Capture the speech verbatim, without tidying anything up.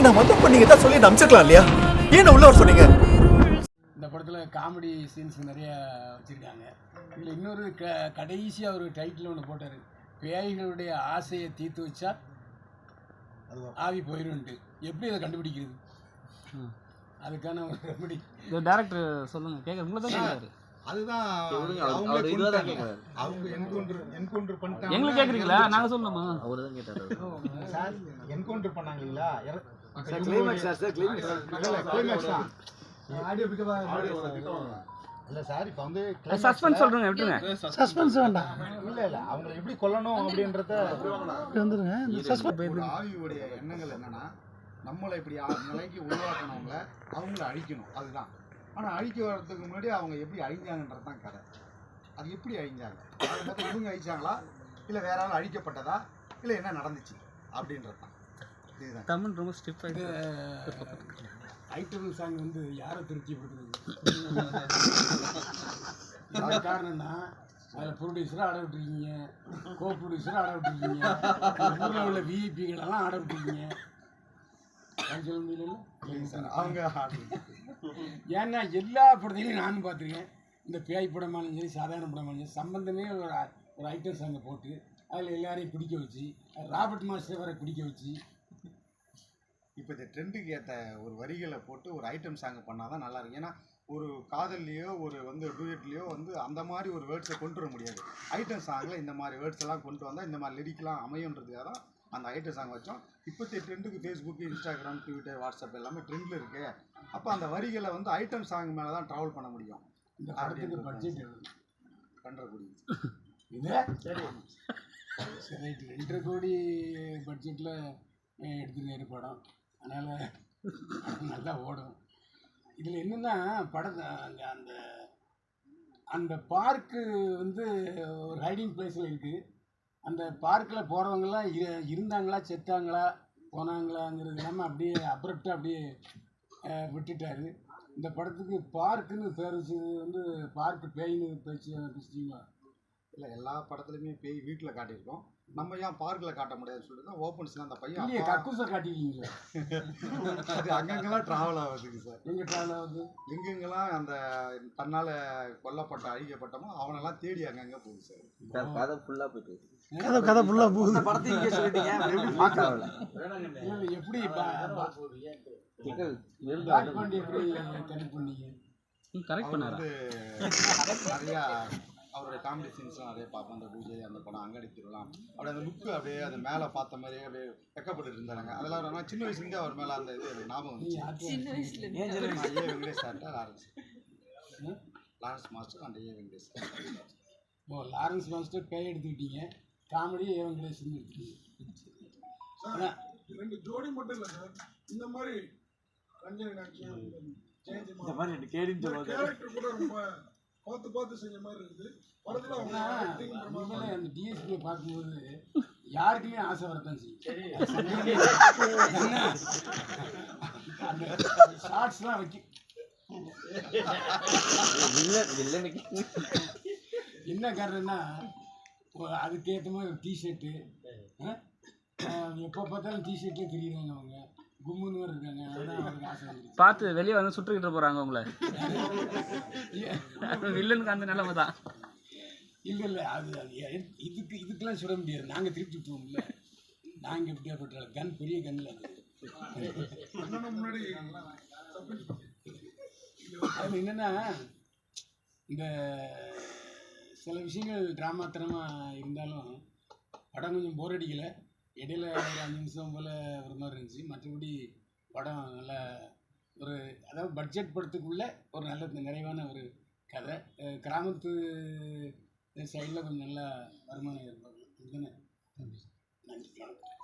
நான் வந்து பண்ணீங்க தான் சொல்லி நம்பிச்சிருக்கலாம் இல்லையா? ஏன் உள்ள வர சொன்னீங்க? இந்த படத்தில் காமெடி சீன்ஸ் நிறைய வச்சுருக்காங்க. இதில் இன்னொரு க கடைசியாக ஒரு டைட்டில் ஒன்று போட்டார், பேய்களுடைய ஆசையை தீர்த்து வச்சா ஆவி போயிடும்ட்டு. எப்படி அதை கண்டுபிடிக்கிறது? அதுக்கான ஒரு ரெமடி டேரக்டர் சொல்லுங்க, கேட்க உங்களை தான் கேட்குறாரு. அதுதான் அவங்க என்கவுண்டர் என்கவுண்டர் பண்ணிட்டாங்க. எங்களுக்கு கேட்குறீங்களா? நாங்கள் சொல்லணுமா? அவரு தான் கேட்டாரு. சார் என்கவுண்டர் பண்ணாங்க இல்லையா? Climax sir, sir climax climax தான். ஆடியோ பிக்கவா இல்ல சார். இப்போ வந்து சஸ்பென்ஸ் சொல்றேங்க, விட்டுருங்க. சஸ்பென்ஸ் வேண்டாம். இல்ல இல்ல அவங்களை எப்படி கொல்லணும் அப்படின்றத வந்துருங்க. இந்த சஸ்பென்ஸ் ஆவியோட எண்ணங்கள் என்னன்னா, நம்மளை இப்படி நிலைக்கு உருவாக்கணவங்கள அவங்கள அழிக்கணும், அதுதான். ஆனால் அழிக்க வர்றதுக்கு முன்னாடி அவங்க எப்படி அழிஞ்சாங்கன்றது தான் கதை. அது எப்படி அழிஞ்சாங்க, அதை பார்த்து இவங்க அழிச்சாங்களா இல்லை வேற ஆள் அழிக்கப்பட்டதா இல்லை என்ன நடந்துச்சு அப்படின்றது தான். இதுதான் தமிழ் ரொம்ப ஸ்டிஃப் ஆகிட்டு. ஐட்டம் சாங் வந்து யாரை திருப்திப்படுத்துறது? காரணம்னா அதில் ப்ரொடியூசராக ஆட விட்டுருக்கீங்க, கோ ப்ரொடியூசராக ஆட விட்டுருக்கீங்க, ஊரில் உள்ள விஐபிகளெல்லாம் ஆட விட்டுருக்கீங்க. சொல்ல முடியல சார் அவங்க. ஏன்னா எல்லா படத்தையும் நானும் பார்த்துருக்கேன். இந்த பேய் படமாலும் சரி சாதாரண படமாலும் சரி சம்பந்தமே ஒரு ஒரு ஐட்டம் சாங்கை போட்டு அதில் எல்லாரையும் பிடிக்க வச்சு, ராபர்ட் மாஸ்டர் வரை பிடிக்க வச்சு, இப்போ இந்த ட்ரெண்டுக்கு ஏற்ற ஒரு வரிகளை போட்டு ஒரு ஐட்டம் சாங் பண்ணால் தான் நல்லாயிருக்கும். ஏன்னா ஒரு காதல்லையோ ஒரு வந்து டூயட்லேயோ வந்து அந்த மாதிரி ஒரு வேர்ட்ஸை கொண்டு வர முடியாது. ஐட்டம் சாங்கில் இந்த மாதிரி வேர்ட்ஸ் எல்லாம் கொண்டு வந்தால் இந்த மாதிரி லிரிக்லாம் அமையுன்றதுக்காக தான் அந்த ஐட்டம் சாங் வச்சோம். இப்போத்தைய ட்ரெண்டுக்கு ஃபேஸ்புக்கு, இன்ஸ்டாகிராம், ட்விட்டர், வாட்ஸ்அப் எல்லாமே ட்ரெண்டில் இருக்குது. அப்போ அந்த வரிகளை வந்து ஐட்டம் சாங் மேலே தான் ட்ராவல் பண்ண முடியும். இந்த படத்துக்கு பட்ஜெட் பண்ணுறக்கூடிய இது சரி சரி ரைட்டு. ரெண்டரை கோடி பட்ஜெட்டில் எடுத்துருக்காரு படம். அதனால் நல்லா ஓடும். இதில் என்னென்னா படத்தை அங்கே அந்த அந்த பார்க்கு வந்து ஒரு ரைடிங் பிளேஸில் இருக்குது. அந்த பார்க்கில் போகிறவங்களாம் இரு இருந்தாங்களா செத்தாங்களா போனாங்களாங்கிறது இல்லாமல் அப்படியே அப்ரப்டாக அப்படியே விட்டுட்டார். இந்த படத்துக்கு பார்க்குன்னு பேர் வச்சது வந்து பார்க்கு பேயின்னு பேச்சு பேசிட்டீங்களா? இல்லை, எல்லா படத்துலையுமே பேய் வீட்டில் காட்டியிருக்கோம். நம்ம ஏன் பார்க்கில் காட்ட முடியாதுன்னு சொல்லிட்டு தான் ஓப்பன்ஸ்லாம் அந்த பையன் இல்லையே கக்கூசை காட்டிருக்கீங்களா? அது அங்கங்கெல்லாம் ட்ராவல் ஆகுதுங்க சார். எங்கே ட்ராவல் ஆகுது? எங்கெங்கெல்லாம் அந்த தன்னால் கொல்லப்பட்ட அழிக்கப்பட்டமோ அவனெல்லாம் தேடி அங்கங்கே போகுது சார். கதை ஃபுல்லாக போயிட்டு கதை கதை ஃபுல்லாக போகுது. படத்தையும் இங்கே சொல்லிட்டீங்க, எப்படி பார்க்கல எப்படி கனெக்ட் பண்ணீங்க? கரெக்ட் பண்ணாரு. நிறையா அவருடைய காமெடி சீன்ஸ்லாம் நிறைய பார்ப்போம். அந்த பூஜை, அந்த படம், அங்காடி திருவிழா, அப்படியே அந்த லுக்கு அப்படியே அது மேலே பார்த்த மாதிரியே அப்படியே வெக்கப்பட்டு இருந்தாங்க. அதெல்லாம் ஆனால் சின்ன வயசுலேருந்தே அவர் மேலே அந்த இது ஞாபகம் வந்துச்சு. ஏ வெங்கடேஷ் சார்ட்டா லாரன்ஸ் லாரன்ஸ் மாஸ்டர் அந்த ஏ வெங்கடேஷ் சார். ஓ, லாரன்ஸ் மாஸ்டர் பேய் எடுத்துக்கிட்டீங்க, காமெடி ஏ வெங்கடேஷ்னு எடுத்துக்கிட்டீங்க. ரெண்டு ஜோடி மட்டும் இல்லை சார், இந்த மாதிரி ரஞ்சனி நாச்சியம் இந்த மாதிரி ரெண்டு கேடின்னு சொல்லுவாங்க. கேரக்டர் கூட ரொம்ப பார்த்து பார்த்து செஞ்ச மாதிரி இருக்குது படத்தில். அவங்க அந்த டிஎஸ்பியை பார்க்கும்போது யாருக்குமே ஆசை வரத்தான் செய்யும். அந்த ஷார்ட்ஸ்லாம் வைக்க என்ன காரணம்னா அதுக்கேற்ற மாதிரி ஒரு டிஷர்ட்டு, எப்போ பார்த்தாலும் டிஷர்ட்லேயே தெரியுறாங்க. அவங்க கும்முன்னு இருக்காங்க. அதுதான் அவருக்கு ஆசை வந்துருக்கு. பார்த்து வெளியே வந்து சுட்டுக்கிட்டு போகிறாங்க உங்களை. வில்லனுக்கு அந்த நிலைமை தான். இல்லை இல்லை அது அது இதுக்கு இதுக்கெல்லாம் சுட முடியாது. நாங்கள் திருப்பி விட்டுருவோம்ல. நாங்கள் எப்படியா பட்டால கன் பெரிய கன்னில் அது முன்னாடி அது என்னென்னா இந்த சில விஷயங்கள் ட்ராமாத்தனமாக இருந்தாலும் படம் கொஞ்சம் போர் அடிக்கலை. இடையில ஒரு அஞ்சு நிமிஷம் போல் ஒரு மாதிரி இருந்துச்சு. மற்றபடி படம் நல்ல ஒரு அதாவது பட்ஜெட் படத்துக்குள்ளே ஒரு நல்ல நிறைவான ஒரு கதை. கிராமத்து சைடில் கொஞ்சம் நல்லா வருமானம் ஏற்படும். இதுதானே. நன்றி, வணக்கம்.